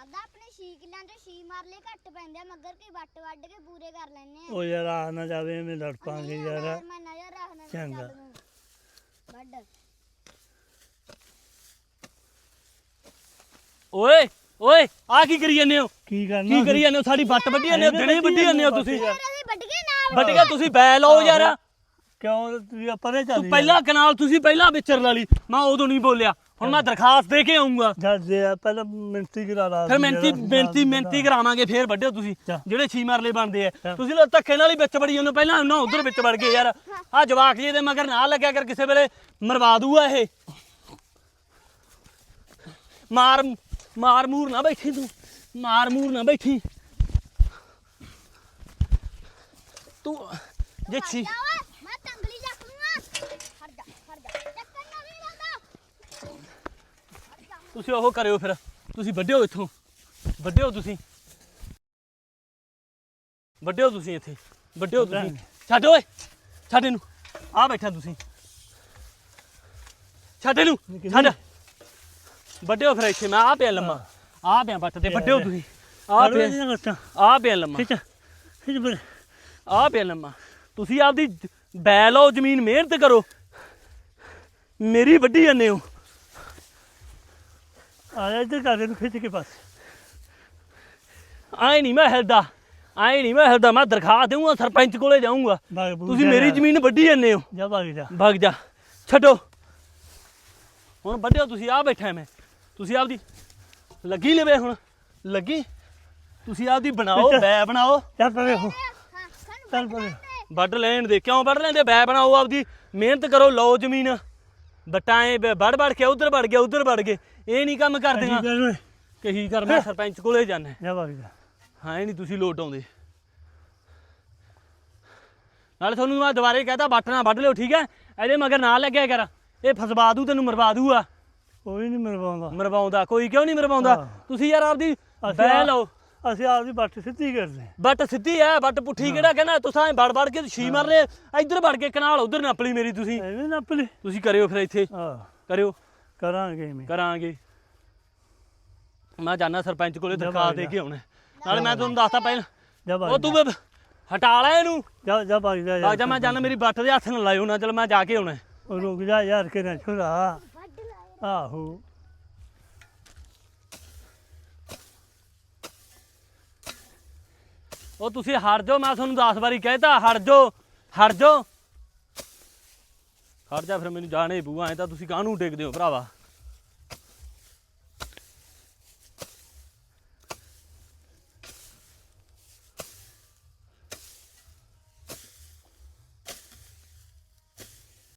ਦਾਦਾ ਆਪਣੇ 6 ਕਿੱਲਿਆਂ ਚੋਂ 6 ਮਾਰਲੇ ਘੱਟ ਪੈਂਦੇ ਆ ਮਗਰ ਕੀ ਵੱਟ ਵੱਢ ਕੇ ਪੂਰੇ ਕਰ ਲੈਣੇ ਆ। ਉਹ ਯਾਰ ਆ ਨਾ ਜਾਵੇ ਐਵੇਂ ਲੜ ਪਾਂਗੇ ਯਾਰ। ਮੈਂ ਨਜ਼ਰ ਰੱਖਣਾ ਚੰਗਾ। ਵੱਢ ਓਏ ਓਏ ਆ ਕੀ ਕਰੀ ਜਾਂਦੇ ਹੋ? ਕੀ ਕਰਨਾ ਕੀ ਕਰੀ ਜਾਂਦੇ ਹੋ? ਸਾਡੀ ਵੱਟ ਵੱਢੀ ਜਾਂਦੇ ਹੋ, ਦਿਨੇ ਵੱਢੀ ਜਾਂਦੇ ਹੋ ਤੁਸੀਂ। ਅਸੀਂ ਵੱਢ ਕੇ ਨਾ ਵੱਢ ਕੇ ਤੁਸੀਂ ਬੈ ਲਓ ਯਾਰ। ਕਿਉਂ ਤੂੰ ਪਰੇ ਤੂੰ ਚੱਲ ਪਹਿਲਾਂ ਕਨਾਲ ਤੁਸੀਂ ਪਹਿਲਾਂ ਵਿਚਰ ਲਾ ਲਈ, ਮੈਂ ਉਦੋਂ ਨਹੀਂ ਬੋਲਿਆ। ਹੁਣ ਮੈਂ ਦਰਖਾਸਤ ਦੇ ਕੇ ਆਉਂਗਾ। ਜਦ ਦੇ ਪਹਿਲਾਂ ਮਿੰਤੀ ਕਰਾ ਲਾ। ਫਿਰ ਮਿਹਨਤੀ ਕਰਾਵਾਂਗੇ, ਫੇਰ ਵੱਢਿਓ ਤੁਸੀਂ ਜਿਹੜੇ 6 ਮਰਲੇ ਬਣਦੇ ਆ। ਤੁਸੀਂ ਲੋ ਧੱਕੇ ਨਾਲ ਹੀ ਵਿੱਚ ਵੜੀ ਜਾਂਦੇ, ਪਹਿਲਾਂ ਉਹਨਾਂ ਉਧਰ ਵਿੱਚ ਵੜ ਗਏ ਯਾਰ। ਆ ਜਵਾਕ ਜੀ ਦੇ ਮਗਰ ਨਾ ਲੱਗਿਆ ਕਰ, ਕਿਸੇ ਵੇਲੇ ਮਰਵਾ ਦੂਗਾ ਇਹ। ਮਾਰ ਮੂਰ ਨਾ ਬੈਠੀ ਤੂੰ, ਮਾਰ ਮੂਰ ਨਾ ਬੈਠੀ ਤੂੰ। ਜੇ ਛੀ ਮੈਂ ਤੰਗਲੀ ਚੱਕ ਲੂੰਗਾ। ਹਟ ਜਾ ਚੱਕਰ ਨਾ ਵੀ ਲਾਦਾ। ਤੁਸੀਂ ਉਹ ਕਰਿਓ, ਫਿਰ ਤੁਸੀਂ ਵੱਢਿਓ ਇੱਥੋਂ, ਵੱਢਿਓ ਤੁਸੀਂ ਇੱਥੇ ਵੱਢਿਓ ਤੁਸੀਂ। ਛੱਡ ਓਏ, ਛੱਡ ਇਹਨੂੰ। ਆ ਬੈਠਾ ਤੁਸੀਂ, ਛੱਡ ਇਹਨੂੰ, ਛੱਡ। ਵੱਢਿਓ ਫਿਰ ਇੱਥੇ, ਮੈਂ ਆ ਪਿਆ ਲੰਮਾ, ਆ ਪਿਆ ਵੱਟ ਤੇ। ਵੱਢਿਓ ਤੁਸੀਂ, ਆ ਪਿਆ ਲੰਮਾ, ਆ ਪਿਆ ਲੰਮਾ। ਤੁਸੀਂ ਆਪਦੀ ਬੈ ਲਓ, ਜ਼ਮੀਨ ਮਿਹਨਤ ਕਰੋ, ਮੇਰੀ ਵੱਢੀ ਜਾਂਦੇ ਹੋ। ਆ ਜਾ ਇੱਧਰ ਕਰ, ਇਹਨੂੰ ਖਿੱਚ ਕੇ ਪਾਸ। ਆਏ ਨਹੀਂ ਮੈਂ ਹਿਲਦਾ, ਮੈਂ ਦਰਖਾਸਤ ਦੇਊਂਗਾ, ਸਰਪੰਚ ਕੋਲੇ ਜਾਊਂਗਾ। ਤੁਸੀਂ ਮੇਰੀ ਜ਼ਮੀਨ ਵੱਢੀ ਜਾਂਦੇ ਹੋ। ਜਾ ਭਾਗ ਜਾ, ਭੱਗ ਜਾ, ਛੱਡੋ। ਹੁਣ ਵੱਢਿਓ ਤੁਸੀਂ, ਆ ਬੈਠਾ ਮੈਂ। ਤੁਸੀਂ ਆਪਦੀ ਲੱਗੀ ਲਵੇ, ਹੁਣ ਲੱਗੀ। ਤੁਸੀਂ ਆਪਦੀ ਬਣਾਓ, ਬੈ ਬਣਾਓ। ਚੱਲ ਪਰੇ ਹੋ, ਹਾਂ ਸਾਨੂੰ ਚੱਲ ਪਰੇ। ਵੱਢ ਲੈਣ ਦੇ, ਕਿਉਂ ਵੱਢ ਲੈਂਦੇ? ਬੈ ਬਣਾਓ, ਆਪਦੀ ਮਿਹਨਤ ਕਰੋ, ਲਓ ਜ਼ਮੀਨ। ਬਟਾਏ ਵੜ ਕੇ ਉੱਧਰ ਵੜ ਗਏ, ਇਹ ਨਹੀਂ ਕੰਮ ਕਰਦੀਆਂ। ਕਹੀ ਕਰ, ਮੈਂ ਸਰਪੰਚ ਕੋਲੇ ਜਾਣਾ। ਜਾ ਭਾਗ ਜਾ। ਹਾਂ, ਇਹ ਨਹੀਂ ਤੁਸੀਂ ਲੋਟ ਆਉਂਦੇ। ਨਾਲੇ ਤੁਹਾਨੂੰ ਮੈਂ ਦੁਬਾਰੇ ਕਹਤਾ, ਵੱਟ ਨਾ ਵੱਢ ਲਿਓ, ਠੀਕ ਹੈ? ਇਹਦੇ ਮਗਰ ਨਾ ਲੱਗਿਆ ਕਰ, ਇਹ ਫਸਵਾ ਦੂ, ਤੈਨੂੰ ਮਰਵਾ ਦੂਗਾ। ਕੋਈ ਨਹੀਂ ਮਰਵਾਉਂਦਾ ਕੋਈ ਕਿਉਂ ਨਹੀਂ ਮਰਵਾਉਂਦਾ? ਤੁਸੀਂ ਯਾਰ ਆਪਦੀ ਬਹਿ ਲਓ। ਅਸੀਂ ਆਪਦੀ ਬੱਟ ਸਿੱਧੀ ਕਰਦੇ। ਵੱਟ ਸਿੱਧੀ ਐ, ਵੱਟ ਪੁੱਠੀ ਕਿਹੜਾ ਕਹਿੰਦਾ? ਤੁਸੀਂ ਵੜ ਕੇ 6 ਮਰ ਲਏ, ਇੱਧਰ ਵੜ ਕੇ ਕਨਾਲ ਉੱਧਰ ਨੱਪ ਲਈ ਮੇਰੀ। ਤੁਸੀਂ ਐਵੇਂ ਨੱਪ ਲਈ। ਤੁਸੀਂ ਕਰਿਓ ਫਿਰ ਇੱਥੇ, ਹਾਂ ਕਰਿਓ, ਕਰਾਂਗੇ। ਮੈਂ ਜਾਣਾ ਸਰਪੰਚ ਕੋਲੇ, ਦਰਖਾਸਤ ਦੇ ਕੇ ਆਉਣਾ। ਨਾਲੇ ਮੈਂ ਤੁਹਾਨੂੰ ਦੱਸਤਾ ਪਹਿਲਾਂ, ਜਾ ਉਹ ਤੂੰ ਹਟਾ ਲੈ ਇਹਨੂੰ। ਜਾ ਭਾਗ ਜਾ। ਮੈਂ ਜਾਣਾ, ਮੇਰੀ ਵੱਟ ਦੇ ਹੱਥ ਨਾ ਲਾਇਓ ਨਾ। ਚਲ ਮੈਂ ਜਾ ਕੇ ਆਉਣਾ। ਉਹ ਰੁਕ ਜਾ ਯਾਰ, ਕਿਹੜਾ ਛੋਰਾ। ਵੱਢ ਲਾਇਆ। ਆਹੋ ਉਹ ਤੁਸੀਂ ਹਟ ਜਾਓ, ਮੈਂ ਤੁਹਾਨੂੰ 10 ਵਾਰੀ ਕਹਿਤਾ, ਹਟ ਜਾਓ। ਹਟ ਜਾ, ਫਿਰ ਮੈਨੂੰ ਜਾਣੇ ਪਊ। ਐਂ ਤਾਂ ਤੁਸੀਂ ਕਾਹਨੂੰ ਟੇਕਦੇ ਹੋ ਭਰਾਵਾ?